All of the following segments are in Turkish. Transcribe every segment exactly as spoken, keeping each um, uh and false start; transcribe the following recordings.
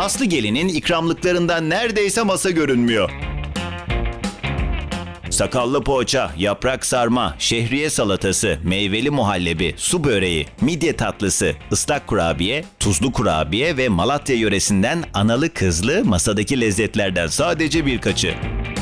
Aslı gelinin ikramlıklarından neredeyse masa görünmüyor. Sakallı poğaça, yaprak sarma, şehriye salatası, meyveli muhallebi, su böreği, midye tatlısı, ıslak kurabiye, tuzlu kurabiye ve Malatya yöresinden analı kızlı masadaki lezzetlerden sadece birkaçı.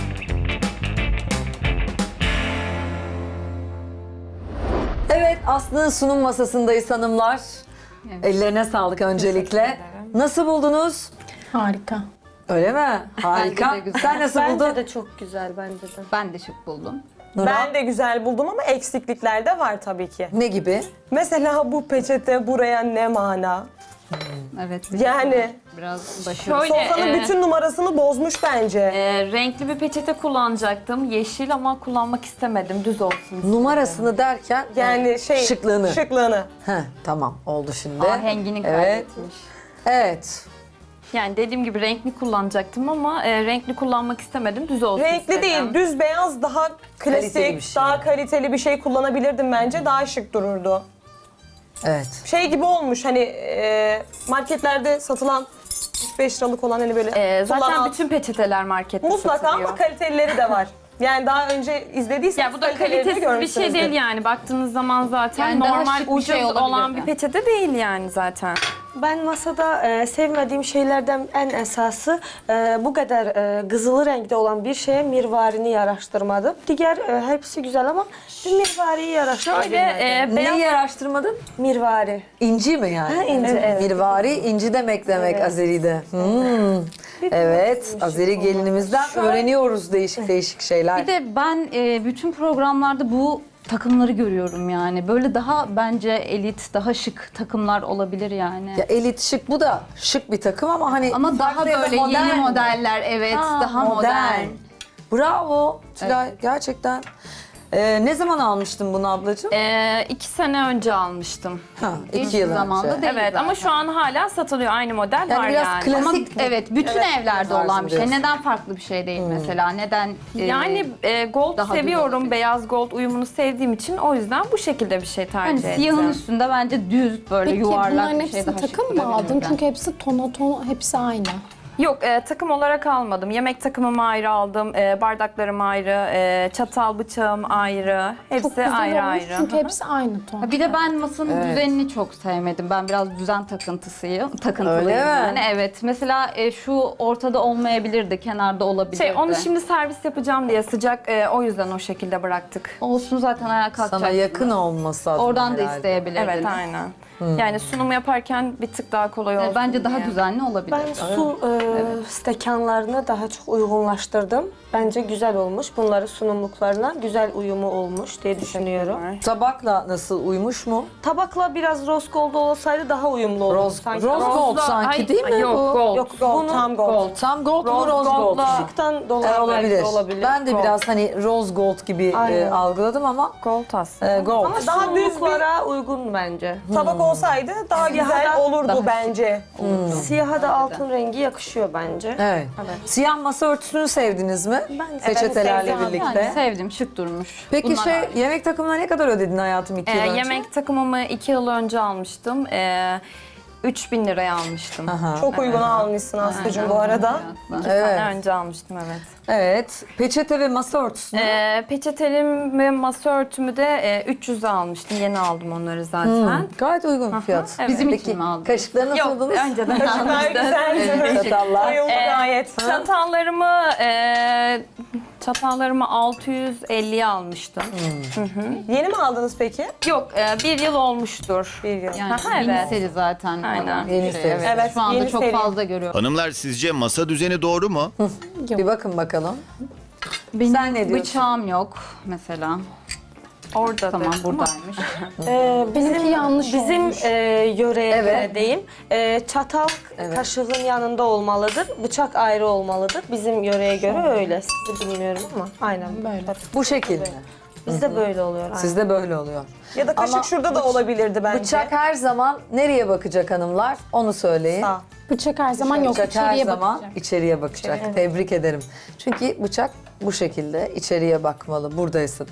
Evet, Aslı'nın sunum masasındayız hanımlar. Ellerine sağlık öncelikle. Nasıl buldunuz? Harika. Öyle mi? Harika. Bence de güzel. Sen nasıl buldun? Bence de çok güzel bence de. Ben de şık buldum. Nurhan? Ben de güzel buldum ama eksiklikler de var tabii ki. Ne gibi? Mesela bu peçete buraya ne mana? Evet. Yani Biraz başarılı. Şöyle sofranın e, bütün numarasını bozmuş bence. e, renkli bir peçete kullanacaktım. Yeşil ama kullanmak istemedim. Düz olsun istedim. Numarasını derken Yani şey şıklığını. şıklığını. Heh, tamam oldu şimdi. Ahengini Evet. kaybetmiş. Evet. Yani dediğim gibi renkli kullanacaktım ama e, renkli kullanmak istemedim. Düz olsun Renkli istedim. değil, düz beyaz daha klasik, Kaliteli bir şey. daha kaliteli bir şey kullanabilirdim bence. Daha şık dururdu. Evet. Şey gibi olmuş hani e, marketlerde satılan üç beş liralık olan hani böyle E, zaten kullanan- bütün peçeteler markette mutlaka satılıyor. ama kalitelileri de var. Yani daha önce izlediyseniz Ya bu da kalitelerini kalitesiz bir şey görmüşsünüzdür. değil yani. Baktığınız zaman zaten Yani daha normal şık bir ucuz şey olabilirdi. olan bir peçete değil yani zaten. Ben masada e, sevmediğim şeylerden en esası e, bu kadar e, kızılı renkte olan bir şeye mirvarini yaraştırmadım. Diğer e, hepsi güzel ama bir mirvariyi yaraştırmadım. Şöyle e, beyaz Neyi araştırmadın? Mirvari. İnci mi yani? Ha, inci, evet. Mirvari, inci demek demek Azeri'de. Hmm. Evet, Azeri gelinimizden öğreniyoruz değişik değişik şeyler. Bir de ben e, bütün programlarda bu takımları görüyorum yani. Böyle daha bence elit, daha şık takımlar olabilir yani. Ya elit şık bu da şık bir takım ama hani Ama daha farklı ya da böyle modern. yeni modeller, evet, Ha, daha modern. Bravo Tülay, gerçekten. Ee, ne zaman almıştın bunu ablacığım? e, iki sene önce almıştım. ha, İlk iki yıl zamanda önce. değil Evet zaten. ama şu an hala satılıyor. Aynı model Yani var biraz yani. klasik- Ama mi? evet, bütün Evet, evlerde tarzı olan bir şey. diyorsun. Neden farklı bir şey değil mesela? Neden e, Yani e, gold daha düz seviyorum. olabilir. Beyaz gold uyumunu sevdiğim için o yüzden bu şekilde bir şey tercih hani ettim. siyahın üstünde bence düz böyle Peki yuvarlak bunların bir şey hepsini daha şık takım mı aldın? durabilirdi. Çünkü hepsi tona tona, hepsi aynı. Yok e, takım olarak almadım. Yemek takımımı ayrı aldım. E, bardaklarım ayrı. E, çatal bıçağım ayrı. Hepsi Çok güzel ayrı olmuş ayrı. çünkü Hı hı. hepsi aynı ton. Ha, bir de ben masanın düzenini çok sevmedim. Ben biraz düzen takıntısıyım. Takıntılıyım Öyle mi? yani. Evet. Mesela e, şu ortada olmayabilirdi, kenarda olabilirdi. Şey, onu şimdi servis yapacağım diye sıcak e, o yüzden o şekilde bıraktık. olsun zaten ayağa kalkacak. Sana yakın olması adına Oradan da herhalde. isteyebilirdiniz. Evet aynen. Yani sunum yaparken bir tık daha kolay olsun E, Bence daha diye. düzenli olabilir. Ben su e, stekanlarını daha çok uygunlaştırdım. Bence güzel olmuş. Bunları sunumluklarına güzel uyumu olmuş diye düşünüyorum. Tabakla nasıl uymuş mu? Tabakla biraz rose gold olsaydı daha uyumlu olurdu. Rose, sanki. rose Ama- gold Rose'la- sanki Ay, değil mi yok, bu? gold. Yok gold, Bunu- tam gold. Tam gold mu Rose rose gold? gold'la- mu? Işıktan E, dolayı olabilir. belki olabilir. Ben de Gold. biraz hani rose gold gibi e, Aynen. algıladım ama Gold aslında. e, gold. Ama Daha daha düz bir- sunumluklara uygun bence. Tabak olsaydı daha güzel da- olurdu daha bence. Siyaha da altın rengi yakışıyor bence. Evet. Siyah masa örtüsünü sevdiniz mi? Ben- Peçetelerle Evet, sevdim. birlikte. Yani sevdim, şık durmuş. Peki Bunlar şey hariç. yemek takımına ne kadar ödedin hayatım iki E, yıl önce? yemek takımımı iki yıl önce almıştım. E, üç bin liraya almıştım. Aha. Çok uygun almışsın Aslı'cığım bu arada. İki Evet. sene önce almıştım evet. Evet. Peçete ve masa örtüsünü. E, peçetelim ve masa örtümü de e, üç yüze almıştım. Yeni aldım onları zaten. Hmm, gayet uygun bir fiyat. evet. Bizim Peki için mi aldın? kaşıkları nasıl Yok buldunuz? önceden Kaşıklar almıştım. güzel. Çatallar. Uyumlu Ee, gayet. Çatallarımı e, çatallarımı altı yüz elliye almıştım. Yeni mi aldınız peki? Yok e, bir yıl olmuştur. Bir yıl. Yani Aha, yeni evet. seri zaten. Aynen. olan bir Yeni şey, seri. Evet. Evet, Şu anda yeni çok seri. fazla görüyorum. Hanımlar sizce masa düzeni doğru mu? Bir bakın bakalım. Benim Sen ne diyorsun? bıçağım yok mesela. Orada Tamam, da. buradaymış. Ee, bizim Benimki yanlış bizim olmuş. e, yöreye Evet. göre diyeyim. E, çatal kaşığın yanında olmalıdır. Bıçak ayrı olmalıdır. Bizim yöreye göre öyle. Sizi bilmiyorum ama aynen Böyle. Bu şekilde. bizde böyle oluyor. Aynen. Sizde böyle oluyor. Ya da kaşık Ama şurada da olabilirdi bence. Bıçak her zaman nereye bakacak hanımlar? Onu söyleyin. Sağ. Bıçak her zaman yok. Bıçak her içeriye zaman bakacak. içeriye bakacak. Tebrik ederim. Çünkü bıçak bu şekilde içeriye bakmalı. Buradaysa da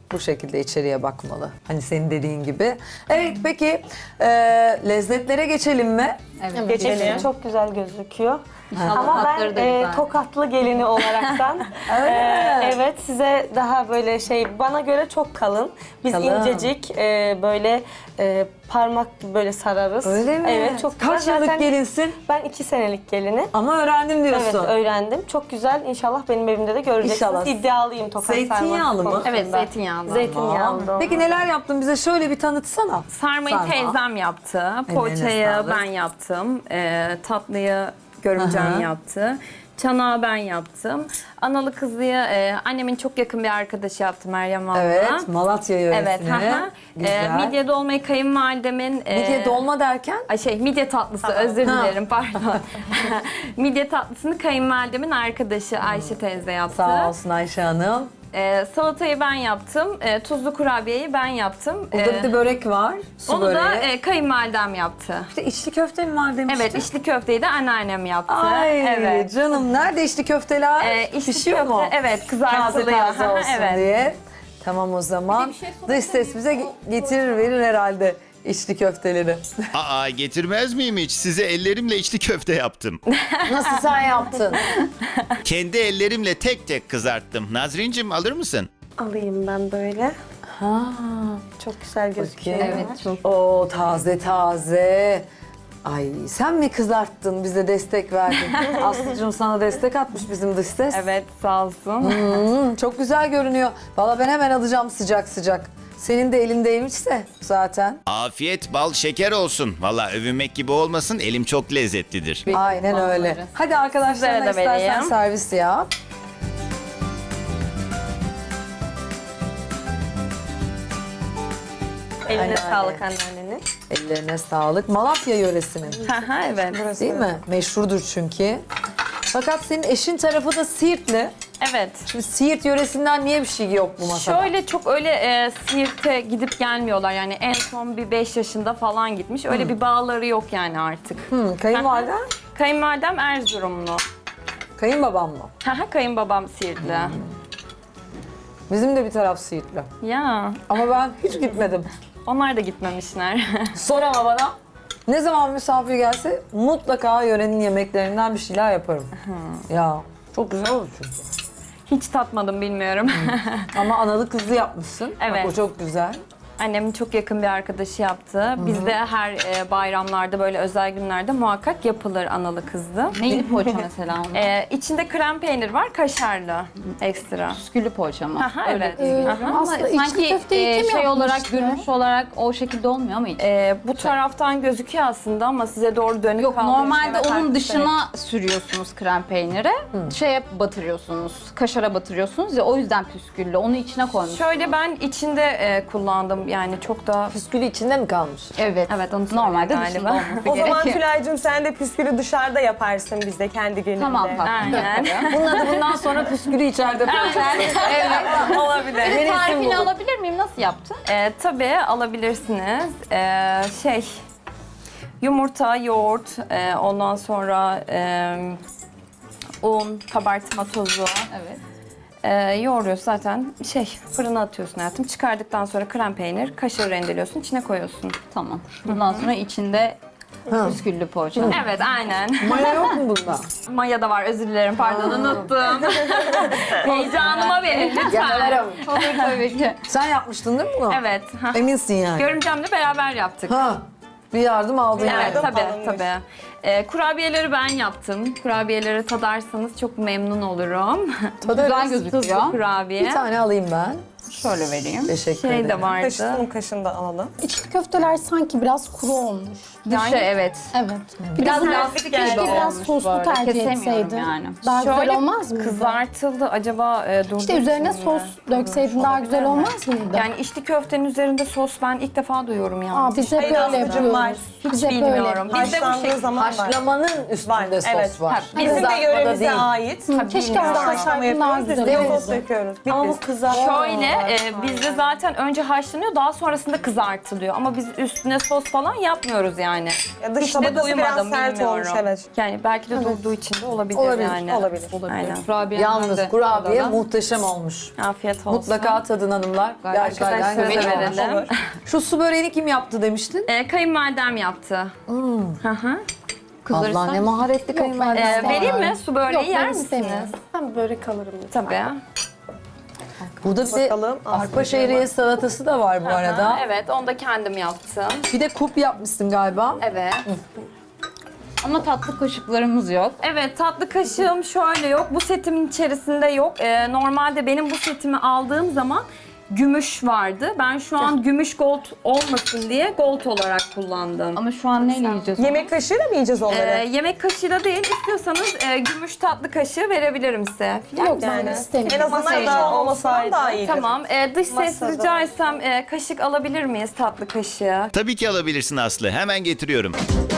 bu şekilde içeriye bakmalı. Hani senin dediğin gibi. Evet peki e, lezzetlere geçelim mi? Evet. Geçelim. Çok güzel gözüküyor. İnşallah Ama ben tatları da e, güzel. Tokatlı gelini olaraktan e, evet size daha böyle şey bana göre çok kalın. Biz Kalın. incecik e, böyle e, parmak böyle sararız. Öyle mi? Evet çok güzel. Kaç yıllık Zaten gelinsin? Ben iki senelik gelini. Ama öğrendim diyorsun. Evet öğrendim. Çok güzel. İnşallah benim evimde de göreceksiniz. İnşallah. İddialıyım tokat Zeytinyağlı sarması mı? konusunda. Evet, zeytinyağlı. Zeytinyağlı. Peki neler yaptın bize şöyle bir tanıtsana. Sarmayı Sarma. teyzem yaptı. Ellerine Poğaçayı sağlık. ben yaptım. Ee, tatlıyı görümcem Aha. yaptı. Çanağı ben yaptım. Analı kızlıyı e, annemin çok yakın bir arkadaşı yaptı, Meryem abla. Evet Malatya yöresini. Evet. Aha. Güzel. Ee, midye dolmayı kayınvalidemin... e, Midye dolma derken? Ay şey midye tatlısı özür dilerim pardon. Midye tatlısını kayınvalidemin arkadaşı Ayşe teyze yaptı. Sağ olsun Ayşe Hanım. Ee, salatayı ben yaptım. Ee, tuzlu kurabiyeyi ben yaptım. Burada Ee, bir de börek var. Su onu böreği. da e, kayınvalidem yaptı. İşte içli köfte mi var demiştin? Evet, içli köfteyi de anneannem yaptı. Ay evet. canım nerede içli köfteler? Ee, içli Pişiyor köfte, mu? evet, Taze kızartılıyor. taze olsun Evet. diye. Tamam o zaman. Dış ses bize ge- getirir verir herhalde içli köfteleri. Aa getirmez miyim hiç? Size ellerimle içli köfte yaptım. Nasıl sen yaptın? Kendi ellerimle tek tek kızarttım. Nazrincim alır mısın? Alayım ben böyle. Ha. Çok güzel gözüküyor. Bakayım. Evet çok. Oo taze taze. Ay sen mi kızarttın bize destek verdin? Aslıcığım sana destek atmış bizim dış ses. Evet, sağ olsun. Hmm, çok güzel görünüyor. Valla ben hemen alacağım sıcak sıcak. Senin de elindeymişse zaten. Afiyet bal şeker olsun. Valla övünmek gibi olmasın elim çok lezzetlidir. Aynen öyle. Bazıları. Hadi arkadaşlarına Sizlere de istersen vereyim. servis yap. Eline Aynen. sağlık anneannenin. Ellerine sağlık. Malatya yöresinin Aha, evet. değil mi? Meşhurdur çünkü. Fakat senin eşin tarafı da Siirtli. Evet. Şimdi Siirt yöresinden niye bir şey yok bu masada? Şöyle çok öyle e, Siirt'e gidip gelmiyorlar. Yani en son bir beş yaşında falan gitmiş. Öyle bir bağları yok yani artık. Hı, kayınvaliden, Kayınvalidem Erzurumlu. kayınbabam mı? Haha, kayınbabam Siirtli. Bizim de bir taraf Siirtli. Ya, Ama ben hiç gitmedim. onlar da gitmemişler. Sor ama bana. Ne zaman misafir gelse mutlaka yörenin yemeklerinden bir şeyler yaparım. Ya çok güzel olur çünkü. Hiç tatmadım, bilmiyorum. Ama analı kızlı yapmışsın. Evet. Bak o çok güzel. Annemin çok yakın bir arkadaşı yaptı. Bizde her e, bayramlarda, böyle özel günlerde muhakkak yapılır analı kızlı. Neyli poğaça mesela onun? E, içinde krem peynir var, kaşarlı ekstra. Püsküllü poğaça mı? Aha, evet. Ee, Aha. Ama Aslında içli sanki köfteyi e, kim şey olarak, yapmıştı? görünüş olarak o şekilde olmuyor ama hiç. E, bu taraftan gözüküyor aslında ama size doğru dönük Yok kaldığı için normalde evet, onun haklısınız. dışına sürüyorsunuz krem peyniri. Şeye batırıyorsunuz, kaşara batırıyorsunuz ya o yüzden püsküllü. Onu içine koymuş. Şöyle ben içinde e, kullandım yani çok da... Püskülü içinde mi kalmış? Evet. Evet, onu Normalde söylüyor dışında galiba. olması O zaman gerekiyor. Tülay'cığım sen de püskülü dışarıda yaparsın bizde kendi gününde. Tamam tatlım. Aynen. Bunun adı bundan sonra püskülü içeride koyacaksın. Evet, olabilir. Bir de Benim tarifini isim bu. alabilir miyim? Nasıl yaptın? E, tabii alabilirsiniz. E, şey, yumurta, yoğurt, e, ondan sonra e, un, kabartma tozu. Evet. E, yoğuruyorsun zaten, şey fırına atıyorsun hayatım. Çıkardıktan sonra krem peynir, kaşar rendeliyorsun, içine koyuyorsun. Tamam. Bundan sonra içinde püsküllü poğaça. Evet, aynen. Maya yok mu bunda? Maya da var, özür dilerim, pardon unuttum. Heyecanıma verin lütfen. Yakarım. Olur tabii ki. Sen yapmıştın değil mi bunu? Evet. ha. Eminsin yani. Görümcemle beraber yaptık. Ha. Bir yardım aldın yani. Evet, Yardım tabii, alınmış. tabii. Ee, kurabiyeleri ben yaptım. Kurabiyeleri tadarsanız çok memnun olurum. Güzel gözüküyor. Tuzlu kurabiye. Bir tane alayım ben. Şöyle vereyim. Teşekkür Şey ederim. de vardı. Kaşın kaşını da alalım. İçli köfteler sanki biraz kuru olmuş. Dışı evet. Evet. Biraz Biraz lastik keşke gibi biraz olmuş soslu böyle. tercih Kesemiyorum etseydin. yani. Daha Şöyle güzel olmaz mıydı? kızartıldı. Acaba e, durdu İşte üzerine mu? sos dökseydin daha güzel olmaz mıydı? Yani içli köftenin üzerinde sos ben ilk defa duyuyorum yani. Aa, biz hep Hayır, böyle Aslı'cım var. yapıyoruz. Hiç Biz hep böyle bilmiyorum. yapıyoruz. Bizde bu Haşlandığı şekilde. zaman var. Haşlamanın üstünde Var, sos evet. var. Bizim de Kızartmada yöremize değil. ait. Hı, keşke Biz de haşlasaydın haşlama daha yapıyoruz. Biz güzel de sos olurdu. döküyoruz. Ama bu Bitlis. kızartma. Şöyle e, bizde zaten önce haşlanıyor, daha sonrasında kızartılıyor. Ama biz üstüne sos falan yapmıyoruz yani. Ya dış Hiç de tabakası biraz duymadım, sert bilmiyorum. olmuş, evet. Yani belki de durduğu için de olabilir, Olabilir, yani. olabilir. Aynen. Kurabiyemden Yalnız de kurabiye tadalım. muhteşem olmuş. Afiyet olsun. Mutlaka tadın hanımlar. Gerçekten Arkadaşlara güzel da olmuş. verelim. Şu su böreğini kim yaptı demiştin? E, kayınvalidem yaptı. Hı hı. Allah ne maharetli E, kayınvalidesi. vereyim mi? Su böreği Yok, yer ben misiniz? istemiyorum. Ben börek alırım. Tabii. Burada bir de Bakalım, arpa aslında şehriye salatası da var bu arada. Ha, evet, onu da kendim yaptım. Bir de kup yapmışsın galiba. Evet. Ama tatlı kaşıklarımız yok. Evet, tatlı kaşığım şöyle yok. Bu setimin içerisinde yok. Ee, normalde benim bu setimi aldığım zaman gümüş vardı. Ben şu an gümüş gold olmasın diye gold olarak kullandım. Ama şu an neyle yiyeceğiz? Yemek kaşığıyla mı yiyeceğiz onları? Ee, yemek kaşığıyla değil, istiyorsanız e, gümüş tatlı kaşığı verebilirim size. Yok ben Yani en istemiyorum. azından içinde olmasa daha iyidir. Tamam, e, dış ses Masada. rica etsem e, kaşık alabilir miyiz, tatlı kaşığı? Tabii ki alabilirsin Aslı. Hemen getiriyorum.